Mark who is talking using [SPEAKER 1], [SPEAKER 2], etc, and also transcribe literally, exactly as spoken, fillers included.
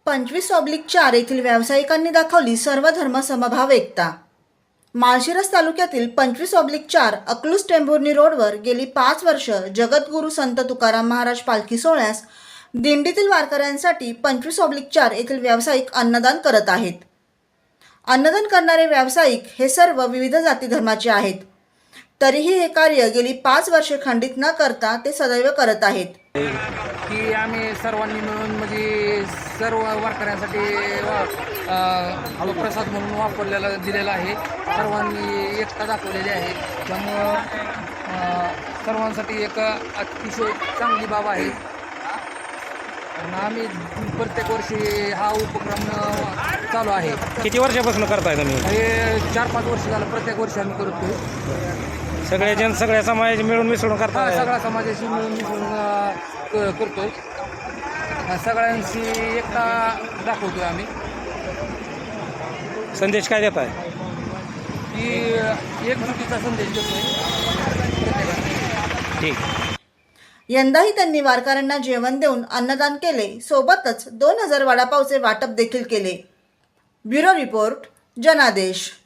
[SPEAKER 1] पंचवीस ऑब्लिक चार येथील व्यावसायिकांनी दाखवली सर्वधर्म समभाव एकता. माळशिरस तालुक्यातील पंचवीस ऑब्लिक चार अकलूज टेंभुर्णी रोडवर गेली पाच वर्ष जगद्गुरू संत तुकाराम महाराज पालखी सोहळ्यास दिंडीतील वारकऱ्यांसाठी पंचवीस ऑब्लिक चार येथील व्यावसायिक अन्नदान करत आहेत. अन्नदान करणारे व्यावसायिक हे सर्व विविध जाती धर्माचे आहेत. तरीही हे कार्य गेली पाच वर्षे खंडित न करता ते सदैव करत आहेत.
[SPEAKER 2] की आम्ही सर्वांनी मिळून म्हणजे सर्व वारकऱ्यांसाठी प्रसाद म्हणून वापरलेला दिलेला आहे. सर्वांनी एकता दाखवलेली आहे. त्यामुळं सर्वांसाठी एक अतिशय चांगली बाब आहे. आम्ही प्रत्येक वर्षी हा उपक्रम चालू आहे.
[SPEAKER 3] किती वर्षापासून करताय तुम्ही?
[SPEAKER 2] हे चार पाच वर्ष झालं प्रत्येक वर्षी आम्ही करतोय.
[SPEAKER 3] सगळे जण सगळ्या समाज मिळून मिसळून करताय?
[SPEAKER 2] सगळ्या समाजाशी मिळून मिसळून करतोय. सगळ्यांशी एकता दाखवतोय आम्ही.
[SPEAKER 3] संदेश काय देताय?
[SPEAKER 2] की एकजुटीचा संदेश देतोय.
[SPEAKER 3] ठीक.
[SPEAKER 1] यंदाही त्यांनी वारकऱ्यांना जेवण देऊन अन्नदान केले. सोबतच दोन हजार वडापावचे वाटप देखील केले. ब्युरो रिपोर्ट, जनादेश.